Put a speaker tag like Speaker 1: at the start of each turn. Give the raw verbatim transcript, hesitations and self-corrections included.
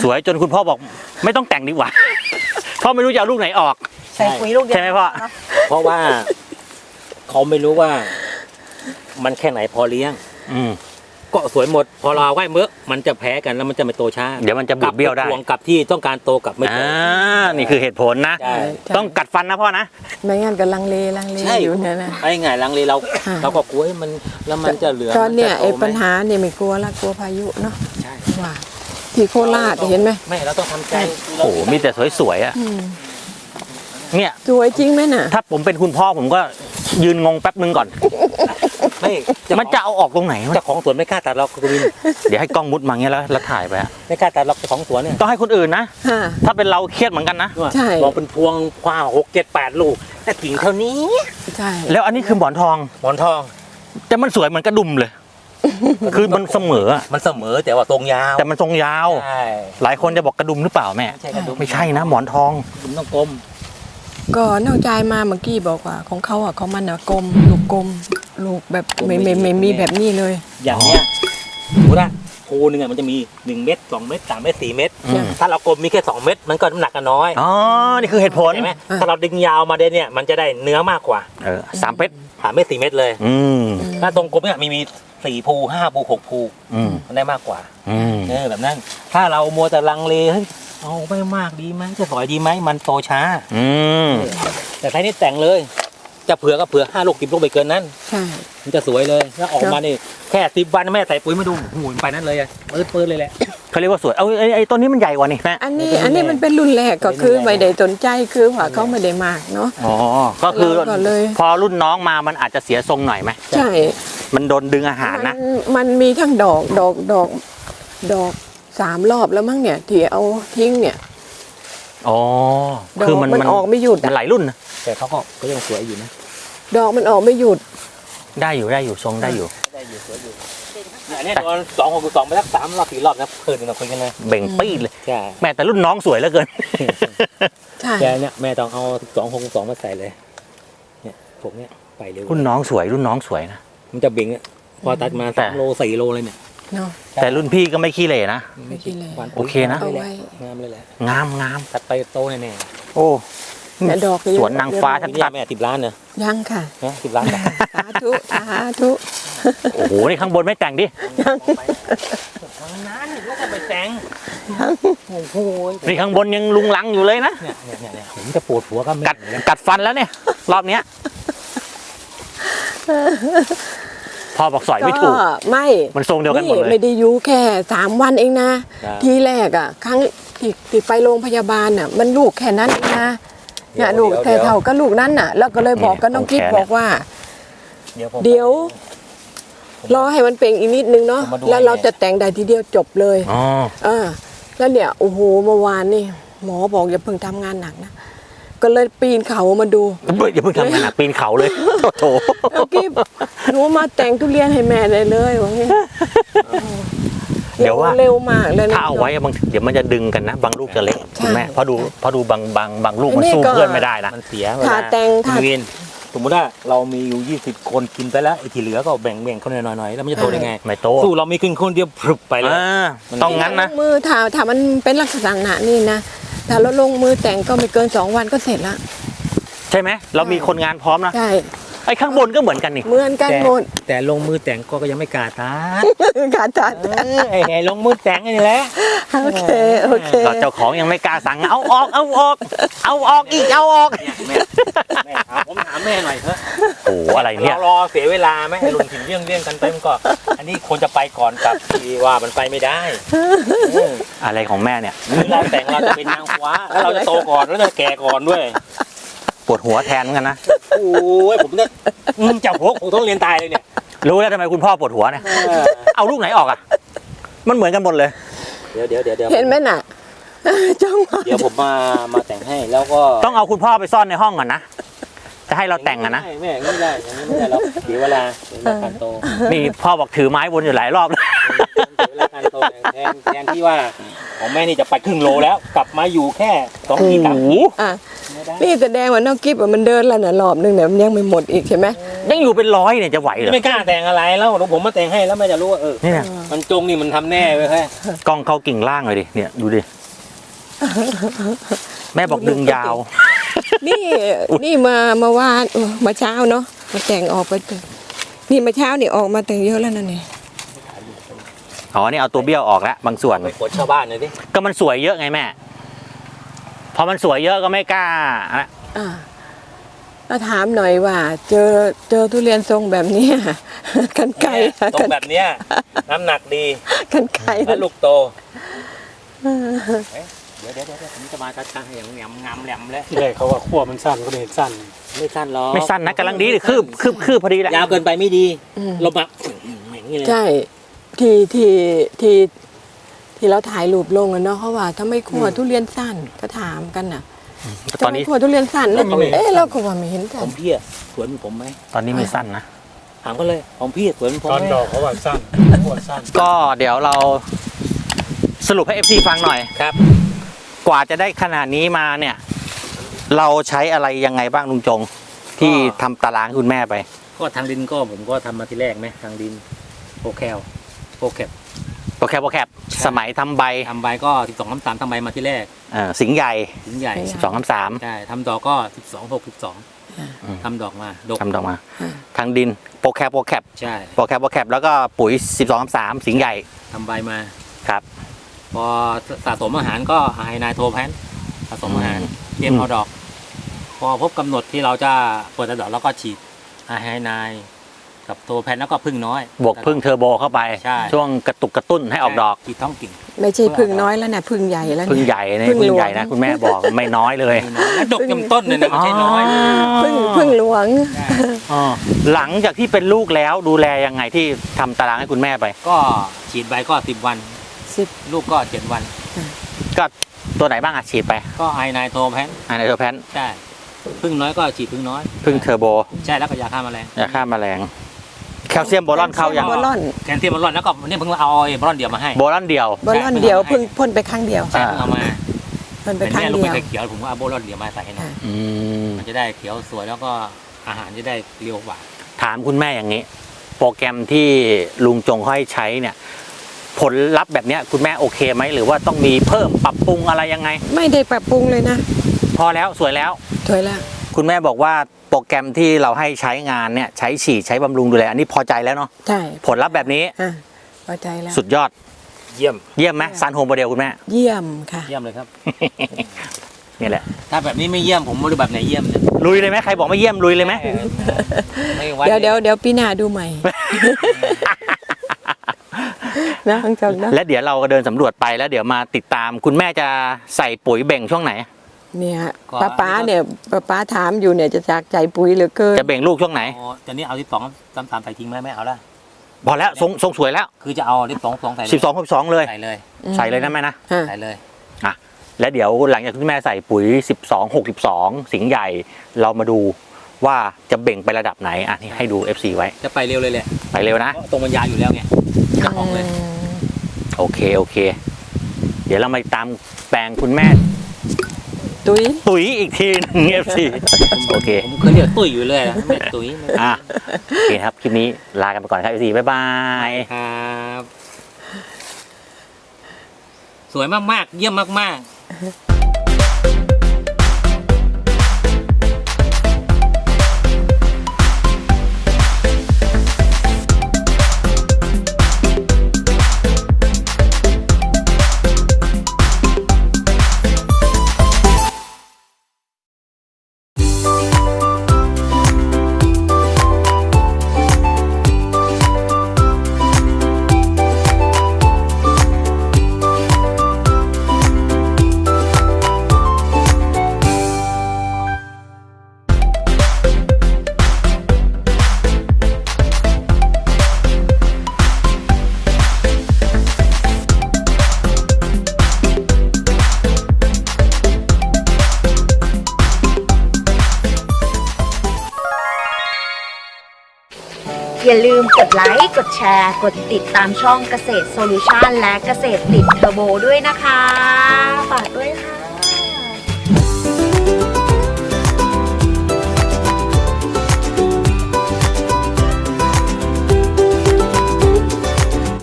Speaker 1: สวยจนคุณพ่อบอกไม่ต้องแต่งดีกว่าพ่อไม่รู้จะเอาลูกไหนออก
Speaker 2: ใส่ปุ๋ยลูกเดียว
Speaker 1: ใช่ไหมพ่อ
Speaker 3: เพราะว่าเขาไม่รู้ว่ามันแค่ไหนพอเลี้ยง
Speaker 1: อืม
Speaker 3: ก็สวยหมดพอเราไหวเมื่อมันจะแพ้กันแล้วมันจะไม่โตช้า
Speaker 1: เดี๋ยวมันจะบูดเบี้ยวได้
Speaker 3: วงกับที่ต้องการโตกับไม่โต
Speaker 1: อ่านี่คือเหตุผลนะต้องกัดฟันนะพ่อนะ
Speaker 2: ไม่งั้นก็ลังเลลังเลอยู่เนี่ยนะ
Speaker 3: ไอ้ไงลังเลเราเราก็กลัวมันแล้วมันจะเหลือ
Speaker 2: ตอนเนี้ยไอ้ปัญหาเนี่ยไม่กลัวละกลัวพายุเนาะใช่ว่าที่โคราชเห็นไหม
Speaker 3: ไม่เราต้องทำใจ
Speaker 1: โอ้โหมีแต่สวยๆอ่ะเนี่ย
Speaker 2: สวยจริงไหมน่ะ
Speaker 1: ถ้าผมเป็นคุณพ่อผมก็ยืนงงแป๊บนึงก่อน
Speaker 3: ไม่
Speaker 1: มันจะเอาออกตรงไหน
Speaker 3: เจ้าของสวนไม่กล้าตัดเราคุณวิน
Speaker 1: เดี๋ยวให้กล้องมุดมาเงี้ยแล้วแล้วถ่ายไป
Speaker 3: ไม่กล้าตัดเราเจ้าของสวนเนี่ย
Speaker 1: ต้องให้คนอื่นนะถ้าเป็นเราเครียดเหมือนกันนะ
Speaker 2: ใช่
Speaker 3: มองเป็นพวงคว้าหกเจ็ดแปดลูกแต่กิ่งเท่านี้
Speaker 2: ใช่
Speaker 1: แล้วอันนี้คือหมอนทอง
Speaker 3: หมอนทอง
Speaker 1: แต่มันสวยเหมือนกระดุมเลยคือมันเสมอ
Speaker 3: มันเสมอแต่ว่าทรงยาว
Speaker 1: แต่มันทรงยาวหลายคนจะบอกกระดุมหรือเปล่าแม่ไม่ใช่นะหมอนทอง
Speaker 3: มันต้องกลม
Speaker 2: ก็นอกใจมาเมื่อกี้บอกว่าของเขาอ่ะของมันอ่ะกลมลูกกลมลูกแบบไม่ไม่ไม่มีแบบนี้เลย
Speaker 3: อย่างเนี้ยดูนะภูนึงอ่ะมันจะมีหนึ่งเม็ดสองเม็ดสามเม็ดสี่เม็ดถ้าเรากลมมีแค่สองเม็ดมันก็น้ำหนักกันน้อย
Speaker 1: อ๋อนี่คือเหตุผล
Speaker 3: ใช่ไหมถ้าเราดึงยาวมาเดเนี่ยมันจะได้เนื้อมากกว่า
Speaker 1: เออสามเม็ด
Speaker 3: สามเม็ดสี่เม็ดเลย
Speaker 1: อืม
Speaker 3: ถ้าตรงกลมเนี่ยมีมีสี่ภูห้าภูหกภูมันได้มากกว่าเออแบบนั้นถ้าเรามัวแต่ลังเลเฮ้ยเอาไม่มากดีไหมจะสวยดีไหมมันโตช้า
Speaker 1: อืม
Speaker 3: แต่ใครนี่แต่งเลยจะเผื่อก็เผื่อห้าลูกกิบลูกไปเกินนั้น
Speaker 2: ใช่
Speaker 3: มันจะสวยเลยแล้วออกมานี่แค่สิบวันแม่ใส่ปุ๋ยมาดูหูไปนั้นเลยเปิดเปิดเลยแหละ
Speaker 1: เขาเรียกว่าสวยเอาไอ้ไอ้ต้นนี้มันใหญ่กว่านี่แม่
Speaker 2: อันนี้อันนี้มันเป็นรุ่นแรกก็คือไม่ได้สนใจคือว่าเขาไม่ได้มากเนาะ
Speaker 1: อ๋อก็คือพอรุ่นน้องมามันอาจจะเสียทรงหน่อยไหม
Speaker 2: ใช่
Speaker 1: มันโดนดึงอาหารนะ
Speaker 2: มันมีทั้งดอกดอกดอกดอกสามรอบแล้วมั้งเนี่ยที่เอาทิ้งเนี่ย
Speaker 1: อ๋อคือมัน
Speaker 2: มันออกไม่หยุด
Speaker 1: มันหลายรุ่นนะ
Speaker 3: แต่เขาก็ก็ยังสวยอยู่นะ
Speaker 2: ดอกมันออกไม่หยุด
Speaker 1: ได้อยู่ได้อยู่ทรงได้อยู่
Speaker 3: ได้อยู่สวยอยู่เนี่ยตอนสองหกสองไปสักสามรอบสี่รอบนะเพิ่นเราคุยกันเลย
Speaker 1: เบ่งปี้เลย
Speaker 3: ใช่
Speaker 1: แม่แต่รุ่นน้องสวยเหลือเกิน
Speaker 2: ใช่
Speaker 3: แกเนี่ยแม่ต้องเอาสองหกสองมาใส่เลยเนี่ยผมเนี่ยไปเร็ว
Speaker 1: รุ่นน้องสวยรุ่นน้องสวยนะ
Speaker 3: มันจะเบ่งพอตัดมาสามโลสี่โลเลยเนี่ย
Speaker 1: แต่รุ่นพี่ก็ไม่ขี้เหร่นะ
Speaker 2: ไม่ขี้เหร่
Speaker 1: โอเคนะ
Speaker 3: งามเลยแหละ
Speaker 1: งามงาม
Speaker 3: ตัดไปโตแน่
Speaker 1: ๆโอ้
Speaker 2: แม่ดอก
Speaker 1: สวนนางฟ้าชัด
Speaker 3: ๆแม่สิบล้านเนอะ
Speaker 2: ยังค่ะ
Speaker 3: สิบล้าน
Speaker 2: สาธุสาธุ
Speaker 1: โอ้โหนี่ข้างบนไม่แต่งดิ
Speaker 2: ยัง
Speaker 3: ทางนั้นแล้วก็ไปแต่งโอ้โห
Speaker 1: นี่ข้างบนยังลุงลังอยู่เลยนะ
Speaker 3: เนี่ยเนี่ยเนี่ยผมจะปวดหัวก็
Speaker 1: กัดกัดฟันแล้วเนี่ยรอบเนี้ยพ่อบอกสอยไม่ถูก
Speaker 2: ไม่
Speaker 1: มันทรงเดียวกันหมดเลย
Speaker 2: ไม่ได้อยู่แค่สามวันเองนะทีแรกอ่ะครั้งที่ที่ไปโรงพยาบาลน่ะมันลูกแค่นั้นเองนะเนี่ยลูกแค่เท่าก็ลูกนั้นน่ะแล้วก็เลยบอกกับน้องกิ๊บบอกว่าเดี๋ยวรอให้มันเป่งอีกนิดนึงเนาะแล้วเราจะแต่งได้ทีเดียวจบเลย
Speaker 1: อ๋อ
Speaker 2: อ่าแล้วเนี่ยโอ้โหเมื่อวานนี่หมอบอกอย่าเพิ่งทำงานหนักนะก็เลยปีนเขามาดู
Speaker 1: อย่าเพิ่งทำงานหนักปีนเขาเลยโถ
Speaker 2: น้องกิ๊บหนูมาแต่งทุเรียนให้แม่ได้เลยว่างี้
Speaker 1: เดี๋ยวว่า
Speaker 2: เร็วมากเลยนะ
Speaker 1: ถ้าเอาไว้บางเดี๋ยวมันจะดึงกันนะบางลูกจะเล็กคุณแม่พอดูพอดูบางบางบางลูกมันสู้เพื่อนไม่ได้นะ
Speaker 3: มันเสีย
Speaker 2: ถ้าแต่งถ้า
Speaker 3: สมมติว่าเรามีอยู่ยี่สิบคนกินไปแล้วไอ้ที่เหลือก็แบ่งแบ่งคนหน่อยๆแล้วมันจะโตได้ไง
Speaker 1: ไม่โต
Speaker 3: สู้เรามีขึ้นคนเดียวพรึบไปเลย
Speaker 1: ต้องงั้นนะ
Speaker 2: มือถ้าถ้ามันเป็นลักษณะนี่นะถ้าเราลงมือแต่งก็ไม่เกินสองวันก็เสร็จละ
Speaker 1: ใช่ไหมเรามีคนงานพร้อมนะ
Speaker 2: ใช่
Speaker 1: ไอ้ข้างบนก็เหมือนกันนี่
Speaker 2: เหมือนกันหมด
Speaker 3: แต่ลงมือแต่งก็ยังไม่กล้าตัด
Speaker 2: กล้าตัด
Speaker 3: ไอ้ลงมือแต่งนี่แหละ
Speaker 2: โอเคโอเค
Speaker 1: เจ้าของยังไม่กล้าสั่งเอาออกเอาออกเอาออกอีกเอาออก
Speaker 3: แม่แม่ผมถามแม่หน่อยเถอะ
Speaker 1: โอ้อะไรเนี่ย
Speaker 3: รอเสียเวลาไหมให้ลุงถิ่นเลี่ยงเลี่ยงกันเต็มก็อันนี้ควรจะไปก่อนกับที่ว่ามันไปไม่ได้
Speaker 1: อะไรของแม่เนี่ย
Speaker 3: เราแต่งเราจะเป็นนางฟ้าแล้วเราจะโตก่อนแล้วจะแก่ก่อนด้วย
Speaker 1: ปวดหัวแทนเหมือนกันนะ
Speaker 3: โอ้ยผมเนี่ยจับหัวผมต้องเรียนตายเลยเนี่ย
Speaker 1: รู้แล้วทำไมคุณพ่อปวดหัวเนี่ยเอาลูกไหนออกอ่ะมันเหมือนกันหมดเลย
Speaker 3: เดี๋ยวเดี๋ยวเดี๋ยว
Speaker 2: เห็นไหมน่ะจ้อง
Speaker 3: เดี๋ยวผมมามาแต่งให้แล้วก็
Speaker 1: ต้องเอาคุณพ่อไปซ่อนในห้องก่อนนะจะให้เราแต่งอ่ะนะ
Speaker 3: ไม่ไม่ได้ไม่ได้แล้วเดี๋ยวเวลาเวลาการโต
Speaker 1: นี่พ่อบอกถือไม้วนอยู่หลายรอบเลย
Speaker 3: เวลาการโตแทนแทนที่ว่าของแม่นี่จะไปครึ่งโลแล้วกลับมาอยู่แค่สองขีดสามขีด
Speaker 2: นี่แสดงว่าน้องกิ๊บมันเดินแล้วน่ะรอบนึงเนี่ยมันยังไม่หมดอีกใช่ไหม
Speaker 1: ยังอยู่เป็นร้อยเนี่ยจะไหวเหรอ
Speaker 3: ไม่กล้าแต่งอะไรแล้วเดี๋ยวผมมาแต่งให้แล้วแม่จะรู้ว่าเออ
Speaker 1: นี่นะ
Speaker 3: มันจงนี่มันทำแน่เลยแค่
Speaker 1: กล้องเข้ากิ่งล่างเลยดิเนี่ยดูดิแม่บอกดึงยาว
Speaker 2: นี่นี่มามาว่านเออมาเช้าเนาะมาแต่งออกไปแต่งนี่มาเช้านี่ออกมาแต่งเยอะแล้วนั่นนี่
Speaker 1: อ๋อนี่เอาตัวเบี้ยวออกแล้วบางส่วน
Speaker 3: ไปกดชาวบ้านเลยดิ
Speaker 1: ก็มันสวยเยอะไงแม่พอมันสวยเยอะก็ไม่กล้าอะ
Speaker 2: อ่าแล้วถามหน่อยว่า เจอเจอทุเรียนทรงแบบเนี้ย กันไกล
Speaker 3: เนี่ยตรงแบบเนี้ยน้ำหนักดี
Speaker 2: กันไกล
Speaker 3: และลูกโตเดี๋ยวเดี๋ยวเดี๋ยวผมจะมาจัดการให้อย่างงำงำแหลมเลย
Speaker 4: ที่แรกเขาว่าขั้วมันสั้นก็เลยเห็นสั้น
Speaker 3: ไม่สั้นหรอก
Speaker 1: ไม่สั้นนะกำลังดีเลยคืบคืบคืบพอดีแหละ
Speaker 3: ยาวเกินไปไม่ดี
Speaker 2: อืม
Speaker 3: ลมอ่ะอย่างนี้เลย
Speaker 2: ใช่ที่ที่ที่ที่เราถ่ายรูปลงอะเนาะเขาว่าทำไมขัวทุเรียนสั้นก็ถามกันน่ะ
Speaker 1: ตอนนี้
Speaker 2: ทำไมขัวทุเรียนสั้นแล้วเอ๊ะเราก็ว่าไม่เห็น
Speaker 3: ข
Speaker 2: สั้
Speaker 3: อน งพี่อะสวนผมไหม
Speaker 1: ตอนนี้ไม่สั้นนะ
Speaker 3: ถามก็เลยของพี่สวนผม
Speaker 4: ตอน
Speaker 3: ไหม
Speaker 4: ดอกเขาว่าสั้นขั้วสั้น
Speaker 1: ก็เดี๋ยวเราสรุปให้ เอฟ ซี ฟังหน่อย
Speaker 3: ครับ
Speaker 1: กว่าจะได้ขนาดนี้มาเนี่ย เราใช้อะไรยังไงบ้างลุงจง ที่ทำตารางให้คุณแม่ไป
Speaker 3: ก็ทางดินก็ผมก็ทำมาทีแรกไหมทางดินโปรแคลโปรแคป
Speaker 1: โปรแคปโปรแคปสมัยทำใบ
Speaker 3: ทำใบก็สิบสองน้ำสามทำใบมาที่แรก
Speaker 1: เอ่อสิงห์ใหญ่
Speaker 3: ถึงใหญ่
Speaker 1: สิบสองน้ำสาม
Speaker 3: ใช่ทำดอกก็สิบสองหกสิบสองทำดอกมาดก
Speaker 1: ทำดอกมา ทางดินโปรแคปโปรแคป
Speaker 3: ใช่
Speaker 1: โปรแคปโปรแคปแล้วก็ปุ๋ยสิบสองน้ำสามสิงห์ใหญ่
Speaker 3: ทำใบมา
Speaker 1: ครับ
Speaker 3: พอสะสมอาหารก็ไฮนายโทแพนสะสมอาหารเตรียมเอาดอก พอพบกำหนดที่เราจะเปิดดอกแล้วก็ฉีดไฮนายกับโทแพนแล้วก็พึ่งน้อย
Speaker 1: บวกพึ่งเทอร์โบเข้าไป
Speaker 3: ใช่
Speaker 1: ช่วงกระตุกกระตุ้นให้ออกดอก
Speaker 3: ฉีดท้องกิ่ง
Speaker 2: ไม่ใช่พึ่งน้อยแล้วนะพึ่งใหญ่แล้ว
Speaker 1: พึ่ง
Speaker 2: เนี่ย
Speaker 1: ใหญ่เนี่ย
Speaker 2: พึ่ง
Speaker 1: พึ่ง
Speaker 2: หลวง
Speaker 1: ใหญ่นะคุณแม่บอกไม่น้อยเลย
Speaker 3: แล้วดกจำต้นเลยนะไม่ใช่น้อย
Speaker 2: พึ่งพึ่งหลวง
Speaker 1: อ๋อหลังจากที่เป็นลูกแล้วดูแลยังไงที่ทำตารางให้คุณแม่ไป
Speaker 3: ก็ฉีดใบก็สิบวัน
Speaker 2: สิบ
Speaker 3: ลูกก็เจ็ดวัน
Speaker 1: ก็ตัวไหนบ้างอะฉีดไป
Speaker 3: ก็ไฮนายโทแพน
Speaker 1: อันไหนเทอร์แพน
Speaker 3: ใช่พึ่งน้อยก็ฉีดพึ่งน้อย
Speaker 1: พึ่งเทอร์โบ
Speaker 3: ใช่แล้วก็ยาฆ่าแมลง
Speaker 1: ยาฆ่าแมลงแคลเซียมโบรอนเข้ายัง
Speaker 2: โบรอน
Speaker 3: แคนเทียมบอลลอนแล้วก็นี่เพิ่งเอาไอ้บอลลอนเดียวมาให้
Speaker 1: โบรอนเดียว
Speaker 2: โบรอนเดียวเพิ่งพ่นไปครั้งเดียว
Speaker 3: ใช่เพิ่งเอามา
Speaker 2: พ่นไป
Speaker 3: เป็น
Speaker 2: ครั้ง
Speaker 3: แม่ลูก
Speaker 2: เดี
Speaker 3: ไม่
Speaker 2: ยว
Speaker 3: เคยเขียวผมก็เอาโบลลอนเดียวมาใส่ให้หน่อย
Speaker 1: อืม
Speaker 3: มันจะได้เขียวสวยแล้วก็อาหารจะได้เรียวหวาน
Speaker 1: ถามคุณแม่อย่างนี้ โปรแกรมที่ลุงจงให้ใช้เนี่ย ผลลัพธ์แบบเนี้ยคุณแม่โอเคไหมหรือว่าต้องมีเพิ่มปรับปรุงอะไรยังไง
Speaker 2: ไม่ได้ปรับปรุงเลยนะ
Speaker 1: พอแล้วสวยแล้ว
Speaker 2: ถอยละ
Speaker 1: คุณแม่บอกว่าโปรแกรมที่เราให้ใช้งานเนี่ยใช้ฉีดใช้บำรุงดูแลอันนี้พอใจแล้วเนาะ
Speaker 2: ใช่
Speaker 1: ผลลัพธ์แบบนี้
Speaker 2: อ่ะพอใจแล้ว
Speaker 1: สุดยอด
Speaker 3: เยี่ยม
Speaker 1: เยี่ยมไหมซันโฮมโมเดลคุณแม่
Speaker 2: เยี่ยมค่ะ
Speaker 3: เยี่ยมเลยครับ
Speaker 1: นี่แหละ
Speaker 3: ถ้าแบบนี้ไม่เยี่ยมผมไม่รู้แบบไหนเยี่ยมเนี่ย
Speaker 1: ลุยเลยไหมใครบอกไม่เยี่ยมลุยเลยไหม
Speaker 3: ไม่วัด
Speaker 2: เดี๋ยวเดี๋ยวเดี๋ยวปีหน้าดูใหม่ นะทั้งจงนะ
Speaker 1: และเดี๋ยวเราก็เดินสำรวจไปแล้วเดี๋ยวมาติดตามคุณแม่จะใส่ปุ๋ยเบ่งช่วงไหน
Speaker 2: เนี่ยป้าป้าเนี่ยป้าป้าถามอยู่เนี่ยจะจากใจปุ๋ยเหลือเกิน
Speaker 1: จะเบ่งลูกช่วงไหน
Speaker 3: อ๋อตอนนี้เอาที่สองตามตามใส่ทิ้งไหมไม่เอาละ
Speaker 1: พอแล้วทรงทรงสวยแล้ว
Speaker 3: คือจะเอาที่สองสองใส่เลย
Speaker 1: สิบสองสิบสองเลย
Speaker 3: ใส่เลย
Speaker 1: ใส่เลยนะแม่นะ
Speaker 2: อ่ะ
Speaker 3: ใส่เลย
Speaker 1: อ่ะแล้วเดี๋ยวหลังจากที่แม่ใส่ปุ๋ยสิบสองหกสิบสองสิงห์ใหญ่เรามาดูว่าจะเบ่งไประดับไหนอ่ะนี่ให้ดู เอฟ ซี ไว้
Speaker 3: จะไปเร็วเลยแหละ
Speaker 1: ไปเร็วนะ
Speaker 3: เพราะตรงมันยาวอยู่แล้วไงจะออกเลย
Speaker 1: โอเคโอเค เดี๋ยวเรามาตามแปลงคุณแม่
Speaker 2: ตุ้ย
Speaker 1: ตุ๋ยอีกทีหนึง เอฟ ซี โอเค
Speaker 3: ผมเคยเรียกตุ้ยอยู่เลยนะไม่ตุ้ยไม่
Speaker 1: อ่ะโอเคครับ คลิปนี้ลากันไปก่อนครับ เอฟ ซี บ๊ายบาย
Speaker 3: ครับสวยมากๆ เยี่ยมมากๆ
Speaker 5: อย่าลืมกดไลค์ กดแชร์ กดติดตามช่องเกษตรโซลูชันและเกษตรติดเทอร์โบด้วยนะคะ ฝากด้วยค่ะ